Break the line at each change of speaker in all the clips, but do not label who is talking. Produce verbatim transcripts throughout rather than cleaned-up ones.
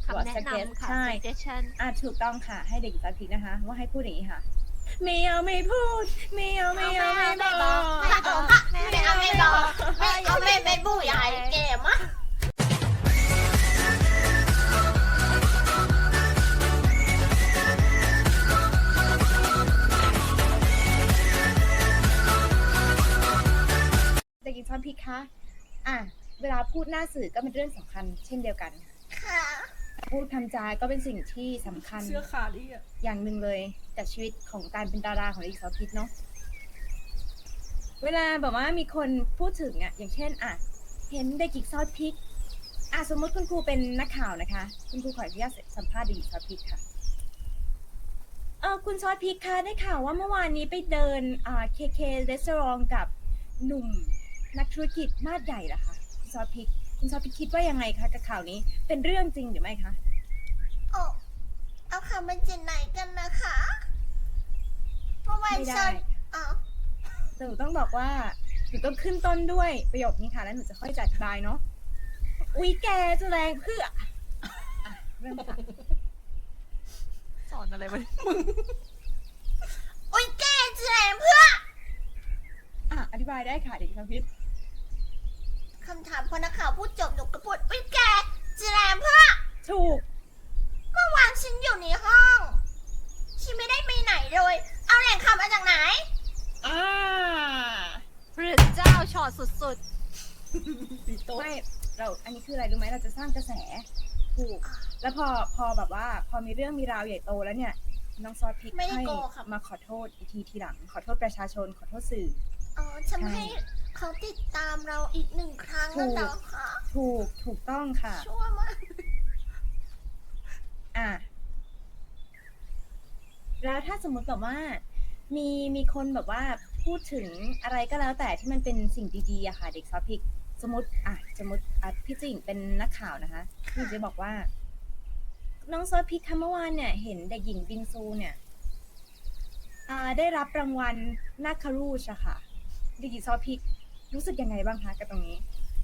วอ
คำ
t
แนะ
s u g g e s t
นำค่ะ
ใช่
suggestion
อ่ะถูกต้องค่ะให้เด็กหญิงซอสพริกนะคะว่าให้พูดอย่างนี้ค่ะไม่เอาไม่พูดไม่เอาไม่เอาไม่บอก
ไม่บอก
ไม่เอาไม่บอกไม่เอาไม่เป็นผู้ใหญ่เกมอ่ะ
เด็กหญิงซอสพริกคะอ่ะเวลาพูดหน้าสื่อก็เป็นเรื่องสำคัญเช่นเดียวกัน
ค่ะ
พูดคำจาก็เป็นสิ่งที่สำคัญ
เสื้อขาดอีกอ่ะ
อย่างหนึ่งเลยกับชีวิตของการเป็นดาราของเด็กหญิงซอสพริกเนาะเวลาแบบว่ามีคนพูดถึงอ่ะอย่างเช่นอ่ะเห็นเด็กหญิงซอสพริกอ่ะสมมติคุณครูเป็นนักข่าวนะคะคุณครูขออนุญาตสัมภาษณ์เด็กหญิงซอสพริกค่ะเออคุณซอสพริกคะได้ข่าวว่าเมื่อวานนี้ไปเดินอ่า เค เค Restaurant กับหนุ่มนักธุรกิจมาดใหญ่เหรอคะคุณซอสพริกคุณซอสพริกคิดว่ายังไงคะกับข่าวนี้เป็นเรื่องจริงหรือไม่คะ
โอ้เอาคำมาจากไหนกันนะคะเพราะว่า
ไม่ได้
ฉันอ๋อ
แต่หนูต้องบอกว่าหนูต้องขึ้นต้นด้วยประโยคนี้ค่ะแล้วหนูจะค่อยจะอธิบายเนาะอุ๊ยแกจะแรงเพื่ออ่ะเริ่มค่ะ
สอนอะไรวะ
โอ้ยแกจะแรงเพื่อ
อ่ะอธิบายได้ค่ะเด็กชาวพิษ
คำถามพอนักข่าวพูดจบหนูก็พูดโอ้ยแกจะแรงเพื่อ
ถูก
เมื่อวานฉันอยู่ในห้องฉันไม่ได้ไปไหนเลย เอาแหล่งข่าวมาจากไหน
อ่า
พระเจ้าช็อตสุด
ตีโต๊ะ
ไม่เราอันนี้คืออะไรรู้ไหมเราจะสร้างกระแสถูกแล้วพอพอแบบว่า พอมีเรื่องมีราวใหญ่โตแล้วเนี่ยน้องซอสพริก
ไม่ได้
ให้
โกค่ะ
มาขอโทษอีกทีทีหลัง ขอโทษประชาชนขอโทษสื่อ
อ๋อทำ
ใช่
ให้เขาติดตามเราอีกหนึ่งครั้ง
ถู
แล้ว
ก
เหรอคะ
ถูกถูกต้องค่ะ
ชั่วมาก
อ่ะแล้วถ้าสมมติแบบว่ามีมีคนแบบว่าพูดถึงอะไรก็แล้วแต่ที่มันเป็นสิ่งดีๆอะค่ะเด็กซอฟพิกสมมติอ่ะสมมติอ่ะพี่จิงเป็นนักข่าวนะคะพี่จะบอกว่า น้องซอฟพิกคะเมื่อวานเนี่ยเห็นเด็กหญิงบิงซูเนี่ยอ่าได้รับรางวัลนาคารูชอะค่ะเด็กหญิงซอฟพิกรู้สึกยังไงบ้างคะกับตรงนี้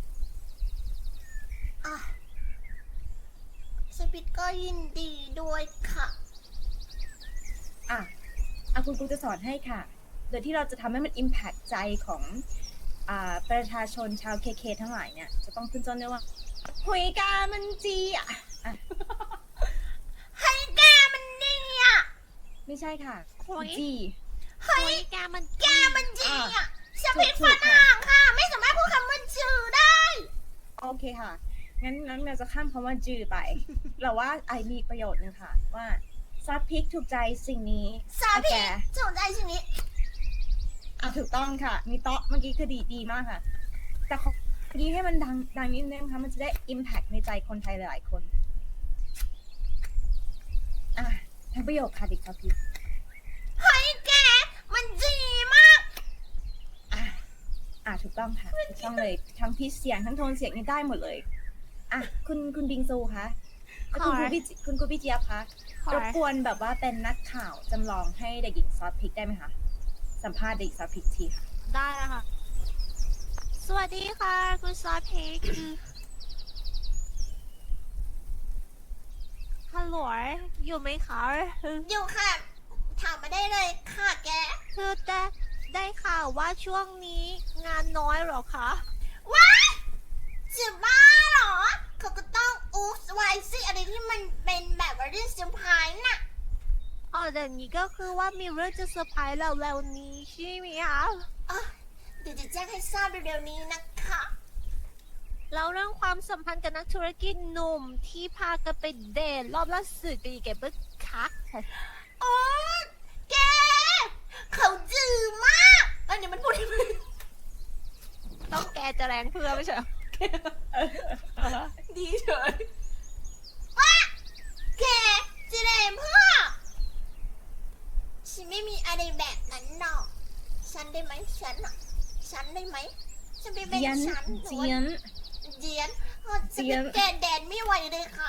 อ่ะสปิดก็ยินดีด้วยค่ะ
อ่ะอ่ะคุณครูจะสอนให้ค่ะ โดยที่เราจะทำให้มัน impact ใจของอ่าประชาชนชาวเคเคทั้งหลายเนี่ย จะต้องขึ้นต้นด้วยว่าหุยกามันจีอ่ะอ่ะ
ให้แกมันดีอ่ะ
ไม่ใช่ค่ะ
ๆโอ้ย
จี
เฮ้ยแกมัน
แกมันดีอ่ะส
ถู
ปิ
ก
ด
ถู
ฝ
กค่ะ
รั่งค่ะ ไม่สามารถพูดคำว่าจือได้
โอเคค่ะ งั้นงั้นเราจะข้ามคำว่าจือไป เราว่าไอมีประโยชน์หนึงค่ะ ว่าซอสพริกถูกใจสิ่งนี้
สา
อ่ะ
พี
แก
สนใจสิ่งนี้
อ่ะถูกต้องค่ะ มีโต๊ะเมื่อกี้คือดีดีมากค่ะ แต่ขอเมื่อกี้ให้มันดังดังนิดนึงนะคะมันจะได้ impact ในใจคนไทยหลายๆคน อ่ะทั้งประโยคค่ะเด็กซอสพริก
เฮ้ยแก มันดีมาก
อ่ะอ่ะถูกต้องค่ะถูกต้องเลยทั้งพิชเสียงทั้งโทนเสียงนี่ได้หมดเลยอ่ะคุณคุณบิงซูคะแล้วคุณครูพี่จิคุณครูพี่เจี๊ยบคะ
ขอ
รบกวนแบบว่าเป็นนักข่าวจำลองให้เด็กหญิงซอสพริกได้ไหมคะสัมภาษณ์เด็กหญิงซอสพริกทีค่ะ
ได้แล้วค่ะ สวัสดีค่ะคุณซอสพริกฮัลโหลอยู่ไหมคะ
อยู่ค่ะ ถามมาได้เลยค่ะแก
คือได้ได้ข่าวว่าช่วงนี้งานน้อยเหรอคะ
ว้ายจะบ้าเหรอ เขาก็ต้องอูฟไวซิอะไรที่มันเป็นแบบว่าเรื่องเซอร์ไพรส์น่ะ
อ๋อแต่นี้ก็คือว่ามีเรื่องจะเซอร์ไพรส์เราแล้วๆนี้ใช่ไหมคะ
อ่ะเดี๋ยวจะแจ้งให้ทราบเร็วๆนี้นะคะ
แล้วเรื่องความสัมพันธ์กับนักธุรกิจหนุ่มที่พากันไปเดทรอบล่าสุดกับอีแกเบิร์กคัก
โอ้แก เขาจือมากอันนี้มันพูดได้ไหม
ต้องแกจะแรงเพื่อไม่ใช่เหรอ
ดีเฉย
ว่าแกจะเรมเพื่อ ฉันไม่มีอะไรแบบนั้นหรอก ฉันได้ไหมฉันอ่ะ ฉันได้ไหม ฉันไปเป็น
เจียน
ฉัน
เจียน
เจียนอ๋อฉันเป็นแกนแดนไม่ไหวเลยค่ะ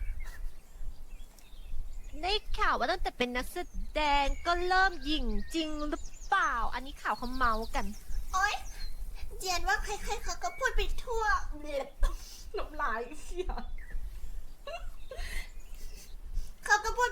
ได้ข่าวว่าตั้งแต่เป็นนักแสดงก็เริ่มหยิ่งจริงหรือเปล่า อันนี้ข่าวเขาเมาส์กัน
โอ๊ยเจียนว่าใครๆเขาก็พูดไปทั่วเบล
น้ำลายเสีย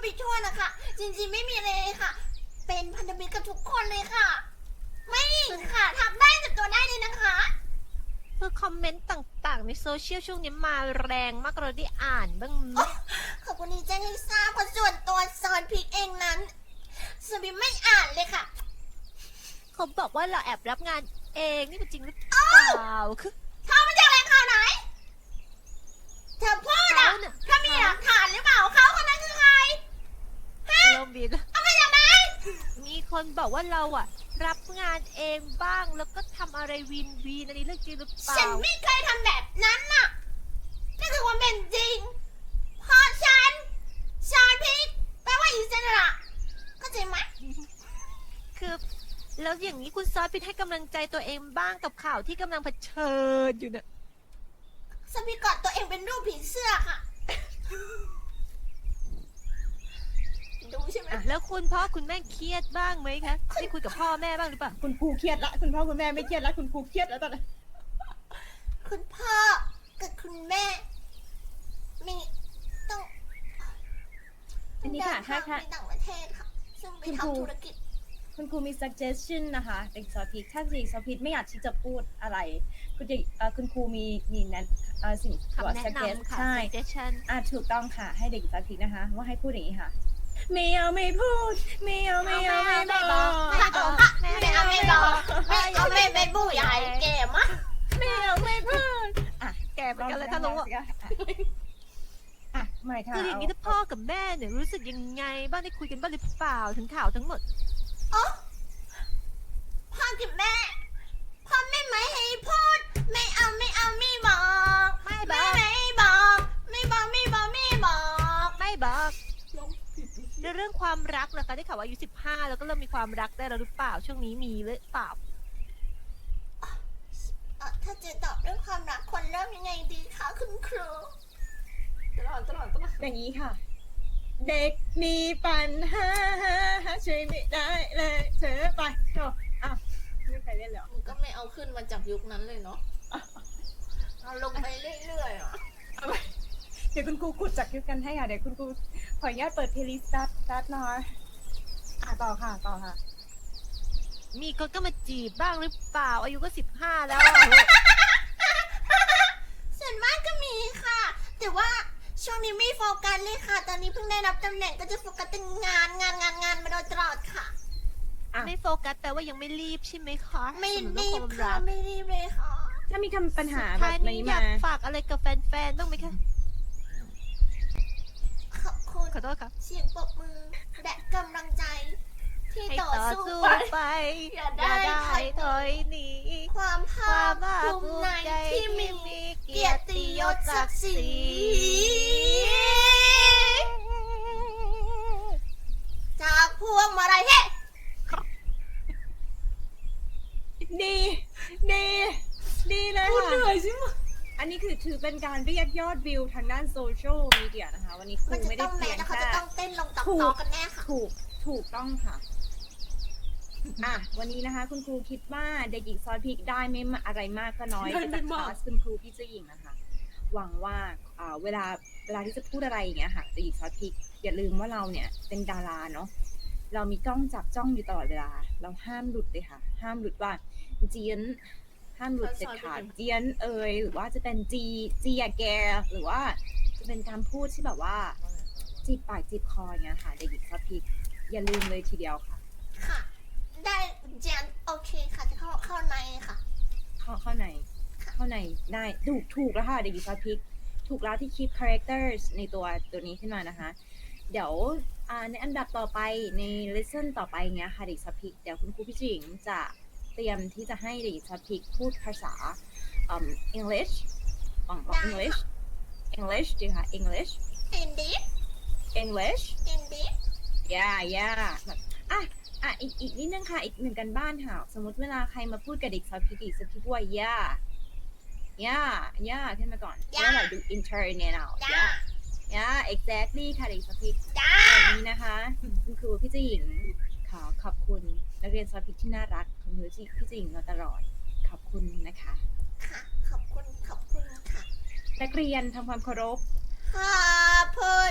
ไปทั่วนะคะ จริงๆไม่มีอะไรเลยค่ะ เป็นพันธมิตรกับทุกคนเลยค่ะ ไม่ค่ะทักได้จับตัวได้เลยนะคะ
คือคอมเมนต์ต่างๆ ในโซเชียลช่วงนี้มาแรงมากเราได้อ่านบ้างไหม
ขอบคุณที่แจ้งให้ทราบเพราะส่วนตัวซอนพริกเองนั้นสมิไม่อ่านเลยค่ะ
เขาบอกว่าเราแอบรับงานเองนี่เป็นจริงหรือเปล่าคือ
เธอมาจากแหล่งข่าวไหน เธอพูด
เขา
อ่ะ
เนี่ย
ถ้ามีหลักฐานหรือเปล่าเขาคนนั้นคือใคร
เริ่มบิน
เอามาจากไหน
มีคนบอกว่าเราอะรับงานเองบ้างแล้วก็ทำอะไรวินวีนอันนี้เรื่องจริงหรือเปล่า
ฉันไม่เคยทำแบบนั้นน่ะนั่นคือความเป็นจริงเพราะฉันซอนพริกแปลว่าอิสระเข้าใจไหม
คือแล้วอย่างนี้คุณซอสพิทให้กำลังใจตัวเองบ้างกับข่าวที่กำลังเผชิญอยู่เนี่ย
สมิกอดตัวเองเป็นรูปผีเสื้อค่ะ ดูใช่ไหม
อ่ะแล้วคุณพ่อคุณแม่เครียดบ้างไหมคะได้คุยกับพ่อแม่บ้างหรือเปล่า
คุณครูเครียดละคุณพ่อคุณแม่ไม่เครียดละคุณครูเครียดแล้วตอนนี้
คุณพ่อกับคุณแม่มีต้อง
อันนี้ค่ะ
เดิ
ถ้า
ทาง
ถ้า
ไปต่างประเทศค่ะ ซึ่งไป
คุณครู
ทำธุรกิจ
คุณครูมี suggestion นะคะเด็กซอพิกถ้าเด็กซอพิกไม่อยากที่จะพูดอะไร คุณเด็กเอ่อคุณครูมีมีนั้นเอ่อสิ่ง
คำแนะ
suggest
นำค่ะ
ใช่
suggestion
อ่ะถูกต้องค่ะ ให้เด็กซอพิกนะคะ ว่าให้พูดอย่างนี้ค่ะ ไม่เอาไม่พูด ไม่เอาไม่เอาไม่
ไม่
บ
บอก
อก
ไม่บอก
ไม่เอาไม่บอกไม่เอาไม่ไปบู้ใหญ่แก่มะ
ไม่เอาไม่พูดอ่ะ
แกเหมือนกันเลยถ้ารู้อะ
อ่ะไม่ค่ะ
คืออย่างนี้ถ้าพ่อกับแม่เนี่ยรู้สึกยังไงบ้างได้คุยกันบ้างหรือเปล่าถึงข่าวทั้งหมด
อ๋อพ่อกับแม่พ่อไม่ไม่ให้พูด ไม่เอาไม่เอาไม่บอก
ไม่บ
ไม่
อก
ไม่บอก ไม่บอกไม่บอกไม่บอก
ไม่บอกในเรื่องความรักนะคะได้ข่าวว่าอายุสิบห้าแล้วก็เริ่มมีความรักได้แล้วหรือเปล่าช่วงนี้มีหรือเปล่า
เอ่อถ้าจะตอบเรื่องความรักคนเริ่มยังไงดีคะคุณครู
ตลอดตลอดตลอด
อย่างนี้ค่ะ เด็กมีปัญหาช่วยไม่ได้เลยเธอไปจบอ่ะไม่มีใครเล่นแล้ว
มันก็ไม่เอาขึ้นมาจากยุคนั้นเลยเนาะ
เอาลงไปเรื่อยๆอ่ะ
เดี๋ยวคุณครูขุดจากคลิปกันให้ค่ะ เดี๋ยวคุณครูขออนุญาตเปิดเพลย์ลิสต์สตาร์ทสตาร์ทหน่อยอ่ะต่อค่ะต่อค่ะ
มีคนก็มาจีบบ้างหรือเปล่า อายุก็สิบห้าแล้วอะ
ส่วนมากก็มีค่ะ แต่ว่าช่วงนี้ไม่โฟกัสเลยค่ะ ตอนนี้เพิ่งได้รับตำแหน่งก็จะโฟกัสแต่งานงานงานงานมาโดยตลอดค่ะ
อ่ะ
ไม่โฟกัสแต่ว่ายังไม่รีบใช่ไหมคะ
ไม่
สำห
รี
เอบ ความ
ค่ะ
รัก
ไม่รีบเลยค่ะ
ถ้ามีคำปัญหา
สุด
แบ
ท้าย
บ
นี้
นี้
อยาม
าก
ฝากอะไรกับแฟนๆบ้างไหมคะ
ขอบคุณ
ขอโทษค่ะ
เสียงปรบมือและกำลังใจ ที่
ให้
ต่อ
ต่อ
สู้
สู้
ไป
ไป
อย่าได้
อย่า
ถ
ได้
อยหนี
ถอยหนี
ความภาว
คาม
ค
ภาค
ภู
ภู
มิ
มิ
ใน
ใจ
ที่
ที่
มี
มี
เกี
เกี
ย
ย
ร
ร
ติ
ติ
ย
ย
ศ
ศ
ศั
ศั
ก
ก
ดิ์
ดิ์
ศ
ศ
รี
รี
จากพวงมาลัยเฮ้
ดี ดี ดีเลย
พูด
ค่ะ
เหนื่อยใช่ไหม
อันนี้คือถือเป็นการเรียกยอดวิวทางด้านโซเชียลมีเดียนะคะ วันนี้ครู
มันจะ
ไม่ได้
ต้องแม้
เพียง
แล้วเขา
แค่
จะต้องเต้นลงตับ
ถูก
ต่อกันแน่ค่ะ
ถูก ถูกต้องค่ะ อ่ะ วันนี้นะคะ คุณครูคิดว่าเด็กหญิงซอยพริกได้ไม่มาอะไรมากก็น้อย
ได้ไม่
จากค
มาก
ลาสคุณครูพี่เจ้าหญิงนะคะ หวังว่าอ่าเวลาเวลาที่จะพูดอะไรอย่างเงี้ยค่ะเด็กหญิงซอยพริก อย่าลืมว่าเราเนี่ยเป็นดาราเนาะ เรามีกล้องจับจ้องอยู่ตลอดเวลา เราห้ามหลุดเลยค่ะ ห้ามหลุดว่าเจียน ห้ามหลุดเด็ดขาดเจียนเอยหรือว่าจะเป็นจีเจียแก หรือว่าจะเป็นการพูดที่แบบว่า จีบปากจีบคออย่างเงี้ยค่ะ เด็กหญิงซอยพริก อย่าลืมเลยทีเดียวค่ะ
ค่ะ ได้เจนโอเคค่ะ จะเข้าเข้าในค่ะ
เข้าเข้าในเข้าในได้ถูกถูกแล้วค่ะเด็กหญิงซอสพริก ถูกแล้วที่คิด characters ในตัวตัวนี้ขึ้นมานะคะ เดี๋ยวอ่าในอันดับต่อไปใน lesson ต่อไปเงี้ยค่ะเด็กซอสพริก เดี๋ยวคุณครูพี่จิงจะเตรียมที่จะให้เด็กซอสพริกพูดภาษาอืม English ของของ English English ดีค่ะ English
indeed
English
indeed
yeah yeah แบบอ่ะอ่ะอีกอีกนิดนึงค่ะ อีกหนึ่งกันบ้านค่ะ สมมติเวลาใครมาพูดกับเด็กซอสพริกอีกสักทีว่า yeah yeah yeah ขึ้นมาก่อน
Yeah
แล้วเราดู internal
จ้า
yeah yeah exactly ค่ะเด็กซอสพริก
จ้า
แบบนี้นะคะ คุณครูพี่เจ้าหญิงขอขอบคุณนักเรียนซอสพริกที่น่ารักของพี่เจ้าหญิงมาตลอด ขอบคุณนะคะ
ค่ะ ขอบคุณ ขอบคุณค่ะ
นักเรียนทำความเคารพ
ขอบคุณ